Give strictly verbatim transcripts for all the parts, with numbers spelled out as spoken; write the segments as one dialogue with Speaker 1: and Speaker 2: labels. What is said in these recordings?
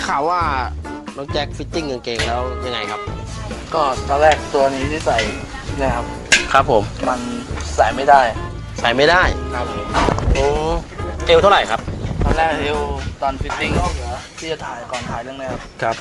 Speaker 1: ข่าวว่าน้องแจ็คฟิตติ้งกางเกงแล้วยังไงครับ
Speaker 2: ก็ตอนแรกตัวนี้ที่ใส่นะครับ
Speaker 1: ครับผม
Speaker 2: มันใส่ไม่ได้
Speaker 1: ใส่ไม่ได้
Speaker 2: ครับ
Speaker 1: โอ้เอวเท่าไหร่ครับ
Speaker 2: ตอนแรกเอวตอนฟิตติ้งที่จะถ่ายก่อนถ่ายเรื่องนี้ครับ
Speaker 1: ครับ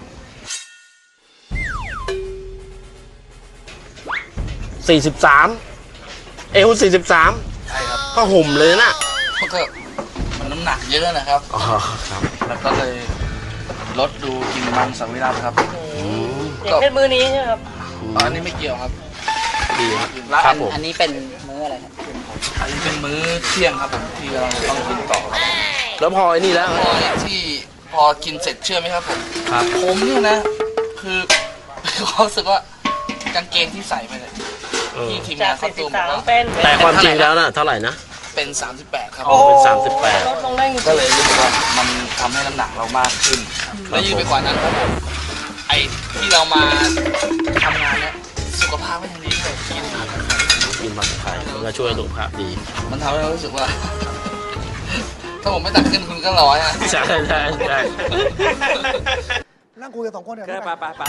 Speaker 1: สี่สิบสามเอวสี่สิบสาม
Speaker 2: ใช่ครับ
Speaker 1: ก็ห่มเลยนะ
Speaker 2: ก็มันน้ำหนักเยอะนะครับ
Speaker 1: อ๋อครับ
Speaker 2: แล้วก็เลยลดดูกินมังสวิรัติครับ
Speaker 3: อย่างเช่นมือนี้ใช่ไหมครับ
Speaker 2: อ๋ออันนี้ไม่เกี่ยวครับ
Speaker 1: ดีครับ
Speaker 3: แล้ว
Speaker 1: ค
Speaker 3: อั
Speaker 1: รับ
Speaker 3: น
Speaker 1: ผม
Speaker 3: อันนี้เป็นมื้ออะไรครับ
Speaker 2: อันนี้เป็นมื้อเที่ยงครับผมที่เราต้องกินต่อครับ
Speaker 1: แล้วพอไอ้นี่แล้ว
Speaker 2: พอที่พอกินเสร็จเชื่อไหมครับผม
Speaker 1: ครับ
Speaker 2: ผมเนี่ยนะ คือเขารู้สึกว่ากางเกงที่ใส่ไปเนี่ย
Speaker 1: เออ
Speaker 2: ที่ทีม
Speaker 3: จาง
Speaker 2: าก นเขา
Speaker 3: สี่สิ
Speaker 2: ตู
Speaker 3: บ
Speaker 2: ม
Speaker 3: สาม
Speaker 2: ว่า
Speaker 3: เป็น
Speaker 1: แต่ความจริงแล้วน่ะเท่าไหร่นะ
Speaker 2: เป็นสามสิบแปดครับ
Speaker 1: โอ้เป็นสามสิบแปด
Speaker 3: ลดลงได้จริง
Speaker 2: ก็เลยรู้สึกว่ามันทำให้น้ำหนักเรามากขึ้น และยิ่งไปกว่านั้นครับผมไอ้ที่เรามาทำงานเนี่ยสุขภาพไม่ดีเลยกินผัก
Speaker 1: กินผักไทยมันก็ช่วยสุขภาพดี
Speaker 2: มันทำให้เรารู้สึกว่า ถ้าผมไม่ตักขึ้นคุณก็ร้อยอ่ะ
Speaker 1: ใช่ใช่ใช่
Speaker 4: นั่งคุยกันสองคนเดี๋ยว
Speaker 5: ไปไปไป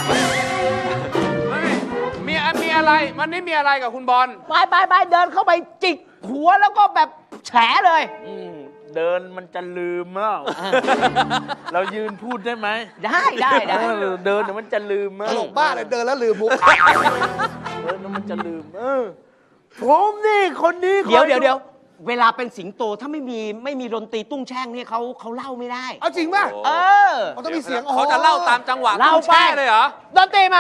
Speaker 5: มีมีอะไรมันนี่มีอะไรกับคุณบอล
Speaker 6: ไปไปไปเดินเข้าไปจิกหัวแล้วก็แบบแฉเลย
Speaker 7: เดินมันจะลืมแล้ว เรายืนพูดได้ไหม
Speaker 6: ได้ได้ได้
Speaker 7: เออเดินเดี๋ยวมันจะลืม
Speaker 4: ตลกบ้าเลยเดินแล้วลืมมุก
Speaker 7: เดินแล้วมันจะลืม เออผมนี่คนนี้
Speaker 6: เดี๋ยวเดี๋ยวเดี๋ยวเวลาเป็นสิงโตถ้าไม่มีไม่มีดนตรีตุ้งแช่งเนี่ยเขาเขาเล่าไม่ได้
Speaker 4: เอาจริงป่ะ
Speaker 6: เออ
Speaker 4: มันต้องมีเสียง
Speaker 5: เขาจะเล่าตามจังหวะ
Speaker 6: เล่า
Speaker 5: ต้องแช่
Speaker 6: ไป
Speaker 5: เลยเหรอ
Speaker 6: ดนตรีมา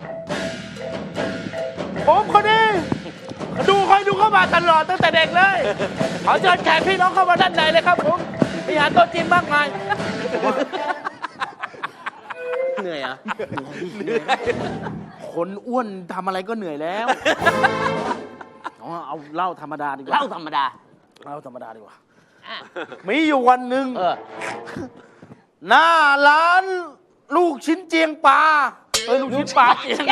Speaker 7: ผมคนนี้ดูคอยดูเข้ามาตลอดตั้งแต่เด็กเลยขอเชิญแขกพี่น้องเข้ามาด้านในเลยครับผมมีอาหารโต๊ะจีนมากมาย
Speaker 6: เหนื่อยเหรอ่ะ
Speaker 7: คนอ้วนทำอะไรก็เหนื่อยแล้วเอาเอาเหล้าธรรมดาดีกว่า
Speaker 6: เล่าธรรมดา
Speaker 7: เหล้าธรรมดาดีกว่า
Speaker 6: อ่ะ
Speaker 7: มีอยู่วันหนึ่ง
Speaker 6: เออ
Speaker 7: หน้าร้านลูกชิ้นเจียงปลาเอ้ยลูกชิ้นปลาเจียง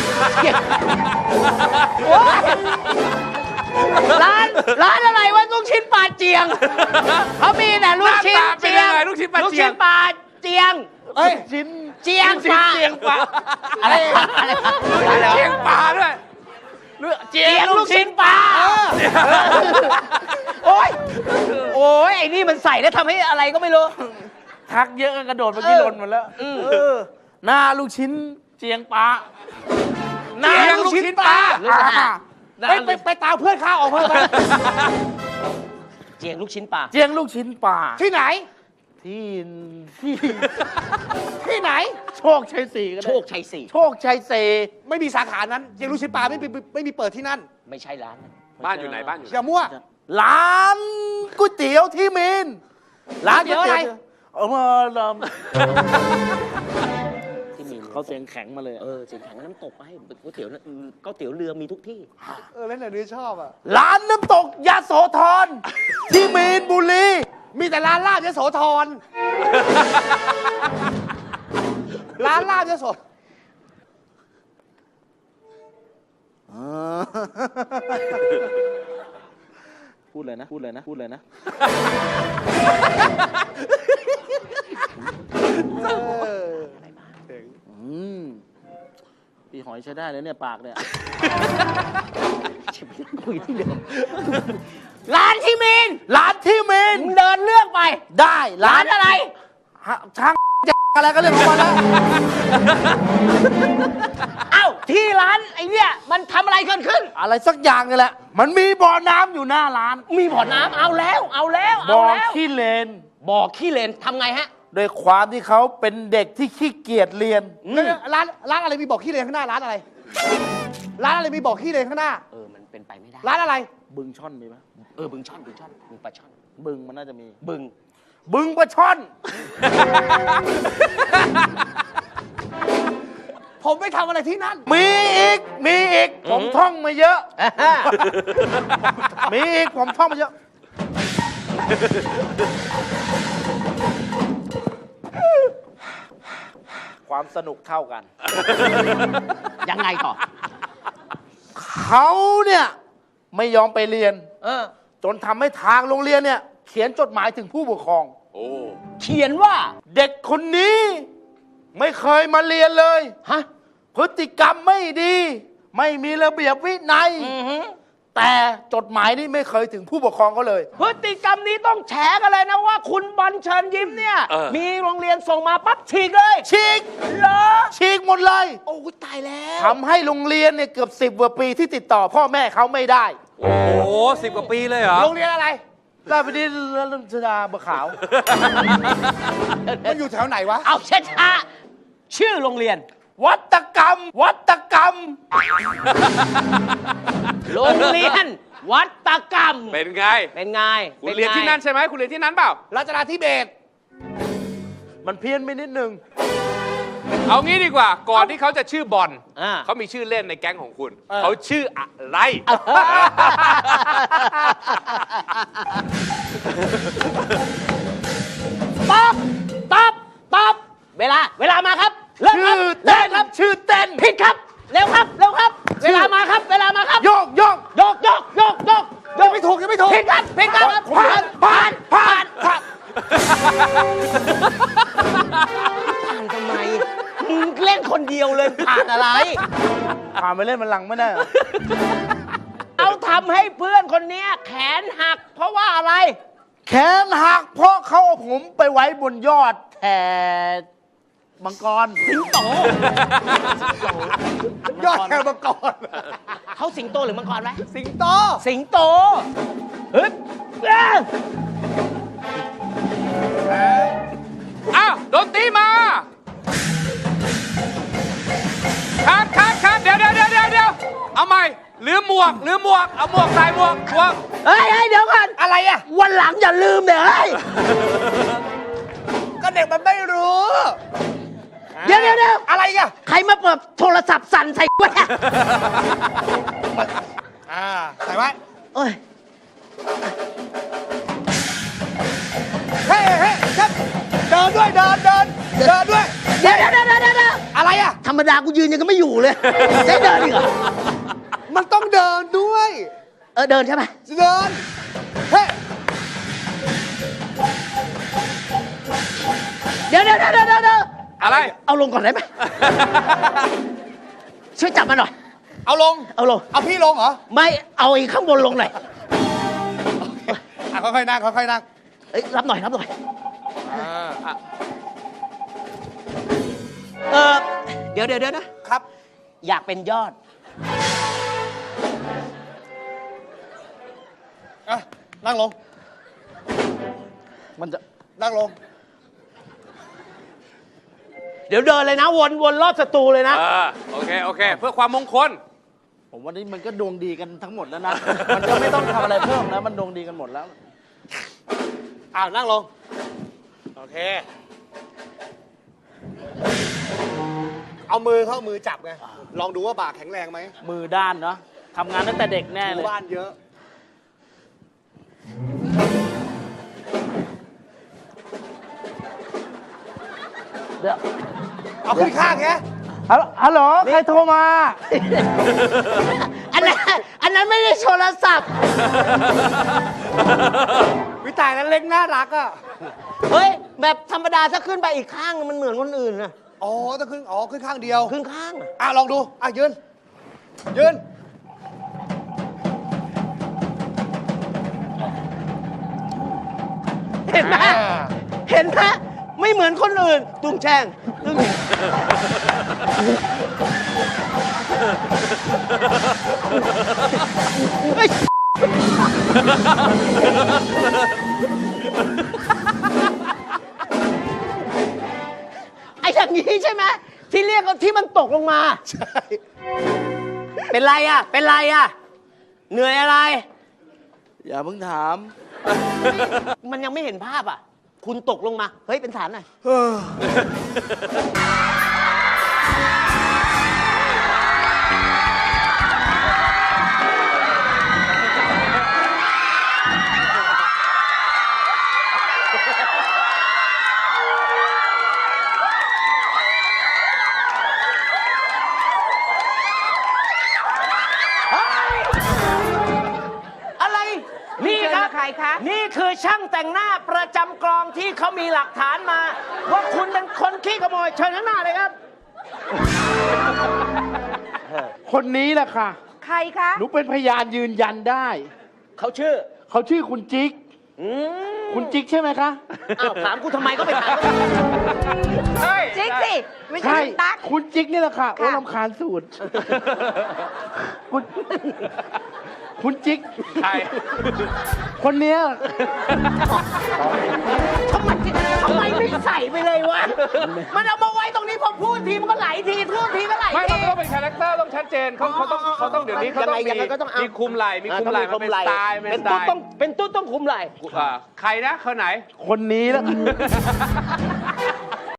Speaker 6: โอ๊ยร้านร้านอะไรวะลูกชิ้นปลาเจียงเขามีแต่ลูกชิ้น
Speaker 5: หน้าตาเป็น
Speaker 6: เจีย
Speaker 5: ยัง
Speaker 6: ง
Speaker 5: ไงลูกชิ้นปลาเจียง
Speaker 6: ลูกชิ้นปลาเจียง
Speaker 4: เอ้ย
Speaker 7: ชิ้น
Speaker 6: เจียงปลา
Speaker 7: เจียงปลา
Speaker 6: อะไรอะไร
Speaker 5: เชียงปลาด้วย
Speaker 6: เจียงลูกชิ้นปลาโอ้ยโอ้ยไอ้นี่มันใส่แล้วทำให้อะไรก็ไม่รู้
Speaker 7: ทักเยอะก็กระโดดเมื่อกี้หล่นหมดแล้วเออหน้าลูกชิ้นเจียงปลา
Speaker 5: เจียงลูกชิ้นปลา
Speaker 4: ไปไปไปตามเพื่อนข้าออกเพิ่มไป
Speaker 6: เจียงลูกชิ้นปลา
Speaker 7: เจียงลูกชิ้นปลา
Speaker 4: ที่ไหน
Speaker 7: ที่ที่
Speaker 4: ที่ไหน
Speaker 7: โชคชัยสี่ก็ได้
Speaker 6: โชคชัยสี่
Speaker 7: โชคชัยสี่
Speaker 4: ไม่มีสาขานั้นเจลูกชิ้นปลาไม่มีไม่มีเปิดที่นั่น
Speaker 6: ไม่ใช่ร้านนั้น
Speaker 5: บ้านอยู่ไหนบ้านอยู่ไหน
Speaker 4: อย่ามั่ว
Speaker 7: ร้านก๋วยเตี๋ยวที่มีนร้านก๋วยเตี๋ยว
Speaker 4: อะไร
Speaker 7: เอามาล
Speaker 6: ที่มี
Speaker 7: ำเขาเสียงแข็งมาเลย
Speaker 6: เออเสียงแข็งน้ำตกไปก๋วยเตี๋ยวน่ะก๋วยเตี๋ยวเรือมีทุกที่
Speaker 4: เออแล้วไหนนี่ชอบอ่ะ
Speaker 7: ร้านน้ำตกยาโสธรที่มีนบุรี
Speaker 4: มีแต่ร้านลาบยโสธรร้านลาบยโส
Speaker 7: พูดเลยนะ พูดเลยนะ พูดเลยนะ อืมพี่หอยใช้ได้เลยเนี่ย ปากเนี่ย
Speaker 6: คุยที่เดิมร้านที่มีน
Speaker 7: ร้านที่มีน
Speaker 6: มึงเดินเลือกไป
Speaker 7: ได้
Speaker 6: ร้านอะไร
Speaker 7: ฮะช่างอะไรก็เรื่องของมันแล้ว
Speaker 6: เอ้าที่ร้านไอ้เนี่ยมันทำอะไรเกิดขึ้น
Speaker 7: อะไรสักอย่างนี่แหละ มันมีบ่อน้ำอยู่หน้าร้าน
Speaker 6: มีบ่อน้ำเอาแล้ว เอาแล้ว
Speaker 7: บ่
Speaker 6: เอา
Speaker 7: อ
Speaker 6: แล้ว
Speaker 7: ขี้เลน
Speaker 6: บ่อขี้เลนทำไงฮะ
Speaker 7: โดยความที่เขาเป็นเด็กที่ขี้เกียจเรียน
Speaker 4: แล้วร้านร้านอะไรมีบอกขี้เลนข้างหน้าร้านอะไร ร้านอะไรมีบอกขี้เลนข้างหน้า
Speaker 6: เออมันเป็นไปไม่ได้
Speaker 4: ร้านอะไร
Speaker 7: บึงช่อนมีไหม
Speaker 6: เออบึงช่อนบึงช่อนบึงปลาช่อน
Speaker 7: บึงมันน่าจะมี
Speaker 6: บึง
Speaker 7: บึงปลาช่อน
Speaker 4: ผมไม่ทำอะไรที่นั่น
Speaker 7: มีอีก มีอีก ผมท่องมาเยอะ มีอีก ผมท่องมาเยอะ ความสนุกเท่ากัน
Speaker 6: ยังไงต่อ
Speaker 7: เขาเนี่ย ไม่ยอมไปเรียน
Speaker 6: เออ
Speaker 7: จนทำให้ทางโรงเรียนเนี่ย เขียนจดหมายถึงผู้ปกครอง
Speaker 5: โอ้
Speaker 6: เขขียนว่า
Speaker 7: เด็กคนนี้ ไม่เคยมาเรียนเลย
Speaker 6: ฮะ
Speaker 7: พฤติกรรมไม่ดี ไม่มีระเบียบวินัย
Speaker 6: อือหือ
Speaker 7: แต่จดหมายนี้ไม่เคยถึงผู้ปกครองเขาเลย
Speaker 6: พฤติกรรมนี้ต้องแฉกันเลยนะว่าคุณบอลเชิญยิ้มเนี่ย
Speaker 5: เออ
Speaker 6: มีโรงเรียนส่งมาปั๊บฉีกเลย
Speaker 7: ฉีก
Speaker 6: เหรอ
Speaker 7: ฉีกหมดเลย
Speaker 6: โอ้ยตายแล้ว
Speaker 7: ทำให้โรงเรียนเนี่ยเกือบสิบกว่าปีที่ติดต่อพ่อแม่เขาไม่ได้
Speaker 5: โอ้โหสิบกว่าปีเลยเหรอ
Speaker 7: โรงเรียนอะไรราชบดินทร์รัชดาบัวขาว
Speaker 4: มันอยู่แถวไหนวะ
Speaker 6: เอาช้าๆชื่อโรงเรียน
Speaker 7: วัตกรรม วัตกรรม
Speaker 6: โรงเรียน วัตกรรม
Speaker 5: เป็นไง
Speaker 6: เป็นไง
Speaker 5: คุณเรียนที่นั่นใช่ไหมคุณเรียนที่นั้นเปล่า
Speaker 4: รัชดาธิเบศร
Speaker 7: มันเพี้ยนไปนิดนึง
Speaker 5: เอางี้ดีกว่า ก่อนที่เขาจะชื่อบอล
Speaker 6: อ่า
Speaker 5: เขามีชื่อเล่นในแก๊งของคุณ เขาชื่ออะไร
Speaker 6: ตอบตอบตอบเวลา เวลามาครับ เริ่มครับ
Speaker 7: ชื่อ
Speaker 6: เริ่
Speaker 7: เต้
Speaker 6: ม
Speaker 7: น
Speaker 6: ครับ
Speaker 7: ชื่อเต้น
Speaker 6: ผิดครับ เร็วครับ เร็วครับ เวลามาครับ เวลามาครับ
Speaker 7: โยกโยก
Speaker 6: ยกยกยกยก
Speaker 4: ยังไม่ถูกยังไม่ถูก
Speaker 6: ผิดครับผิดครับ
Speaker 7: ผ่านผ่านผ่านผ่าน
Speaker 6: ผ่านทำไมมึงเล่นคนเดียวเลยผ่านอะไร
Speaker 7: ผ่านไปเล่นมันหลังไม่ได้เหรอ
Speaker 6: เอาทำให้เพื่อนคนเนี้ยแขนหัก เพราะว่าอะไร
Speaker 7: แขนหักเพราะเขาเอาผมไปไว้บนยอดแผ่มังกร
Speaker 6: สิงโต
Speaker 4: ยอดแถวมังกร
Speaker 6: เขาสิงโตหรือมังกรไหม
Speaker 4: สิงโต
Speaker 6: สิงโตฮึบเอ้ย
Speaker 5: อ้าวดนตรีมาคัดคัดคัดเดี๋ยวเดี๋ยวเดี๋ยวเดี๋ยวเดี๋ยวเอาใหม่ลืมหมวกลืมหมวก เอาหมวกใส่หมวกหมวก
Speaker 6: เฮ้ยเฮ้ยเดี๋ยวก่อน
Speaker 4: อะไรอ่ะ
Speaker 6: วันหลังอย่าลืมเนี่ยเฮ้ย
Speaker 4: ก็เด็กมันไม่รู้
Speaker 6: เดี๋ยวเดี๋ยวเดี๋ยว
Speaker 4: อะไรอ่ะ
Speaker 6: ใครมาเปิดโทรศัพท์สั่นใส่กูเนี่ย
Speaker 4: อ่าใส่ไว้
Speaker 6: โอ้ย
Speaker 4: เฮ้เฮ้ครับเดินด้วยเดินเดินเดินด้วย
Speaker 6: เดี๋ยวเดี๋ยวเดี๋ยวเดี๋ยวเดี๋ยว
Speaker 4: อะไรอ่ะ
Speaker 6: ธรรมดากูยืนยังก็ไม่อยู่เลยได้เดินอีกเหรอ
Speaker 4: มันต้องเดินด้วย
Speaker 6: เออเดินใช่ไหม
Speaker 4: เดิน เฮ้
Speaker 6: เดี๋ยวเดี๋ยวเดี๋ยวเดี๋ยวเดี๋ยว
Speaker 5: อะไร
Speaker 6: เอาลงก่อนได้ไหมช่วยจับมาหน่อย
Speaker 4: เอาลง
Speaker 6: เอาลง
Speaker 4: เอาพี่ลงเหรอ
Speaker 6: ไม่เอาอีกข้างบนลงหน่อย
Speaker 4: อ่ะค่อยๆนั่งค่อยๆนั่ง
Speaker 6: เอ้ยรับหน่อยรับหน่อย
Speaker 4: อ่าอ่ะ
Speaker 6: เออเดี๋ยวเดี๋ยวเดี๋ยวนะครับ อยากเป็นยอด
Speaker 4: อ่ะนั่งลง
Speaker 7: มันจะ
Speaker 4: นั่งลง
Speaker 6: เดี๋ยวเดินเลยนะ วนวนรอบสตูเลยนะ
Speaker 5: เออโอเคโอเค เพื่อความมงคล
Speaker 7: ผมว่านี่มันก็ดวงดีกันทั้งหมดแล้วนะ มันก็ไม่ต้องทำอะไรเพิ่มแล้ว มันดวงดีกันหมดแล้ว
Speaker 4: อ้าวนั่งลง โอเค เอามือเข้ามือจับไง ลองดูว่าบ่าแข็งแรงไหม
Speaker 7: มือด้านเนาะทำงานตั้งแต่เด็กแน่
Speaker 4: ห
Speaker 7: เล
Speaker 4: มู่
Speaker 7: ย
Speaker 4: บ้านเยอะ
Speaker 7: เดี๋ยว
Speaker 4: เอาขึ้นข้างไง
Speaker 7: ฮัลโหลฮัลโหลใครโทรมา
Speaker 6: อันนั้นอันนั้นไม่ได้โทรศัพท์
Speaker 4: วิตายนั้นเล็กน่ารักอ่ะ
Speaker 6: เฮ้ย แบบธรรมดาถ้าขึ้นไปอีกข้างมันเหมือนคนอื่นนะ
Speaker 4: อ๋อต้องขึ้น อ๋อ ขึ้นข้างเดียว
Speaker 6: ขึ้นข้างอะ
Speaker 4: อ่ะ ลองดู อ่ะ ยืน ยืน
Speaker 6: เห็นไหม
Speaker 4: อ่า
Speaker 6: เห็นไหมไม่เหมือนคนอื่น ตุ้งแช่งตุ้งเฮ้ยไอ้อย่างนี้ใช่ไหมที่เรียกว่าที่มันตกลงมา
Speaker 4: ใช่
Speaker 6: เป็นไรอ่ะ เป็นไรอ่ะ เหนื่อยอะไร
Speaker 7: อย่าเพิ่งถาม
Speaker 6: มันยังไม่เห็นภาพอ่ะ คุณตกลงมา เฮ้ย เป็นฐานหน่อย อะไร นี่ครับใครคะ นี่คือช่างแต่งหน้าประจำกลองที่เขามีหลักฐานมา ว่าคุณเป็นคนขี้ขโมยเชิญข้างหน้าเลยครับ
Speaker 7: คนนี้แหละค่ะ
Speaker 8: ใครคะ
Speaker 7: หนูเป็นพยานยืนยันได้
Speaker 6: เขาชื่อ
Speaker 7: เขาชื่อคุณจิ๊ก
Speaker 6: อืม
Speaker 7: คุณจิ๊กใช่ไหมคะ
Speaker 6: อ้าวถามกูทำไมก็ไปถามเขา
Speaker 8: จิ๊กสิ ไม่ใช่
Speaker 7: ใช่
Speaker 8: ตั๊ก
Speaker 7: คุณจิ๊กนี่แหละค่ะ โอ้
Speaker 8: ค่ะ
Speaker 7: ลำคาญสูตร คุณคุณจิ๊ก
Speaker 5: ใคร
Speaker 7: คนเนี้ย
Speaker 6: ทำไมทำไมไม่ใส่ไปเลยวะ มันเอามาไว้ตรงนี้พอพูดทีมันก็ไหลทีพูดทีก็ไหล
Speaker 5: ไม่
Speaker 6: ที
Speaker 5: มันต้องเป็นคาแรคเตอร์ต้องชัดเจนเขาเขาต้องเขาต้องเดี๋ยวนี้เขาต้อง
Speaker 6: ยั
Speaker 5: มี
Speaker 6: งไงยังไงก็ต้องเอา
Speaker 5: มีคุมไหล่มีคุมไหล่
Speaker 6: อ่า
Speaker 5: มันเป็นสไตล์
Speaker 6: เป็
Speaker 5: เป็น
Speaker 6: น
Speaker 5: สไต
Speaker 6: ตุ๊ด
Speaker 5: ล์
Speaker 6: ต้องเป็นตุ๊ดต้องคุมไหล่
Speaker 5: อ่าใครนะคนไหน
Speaker 7: คนนี้แหละ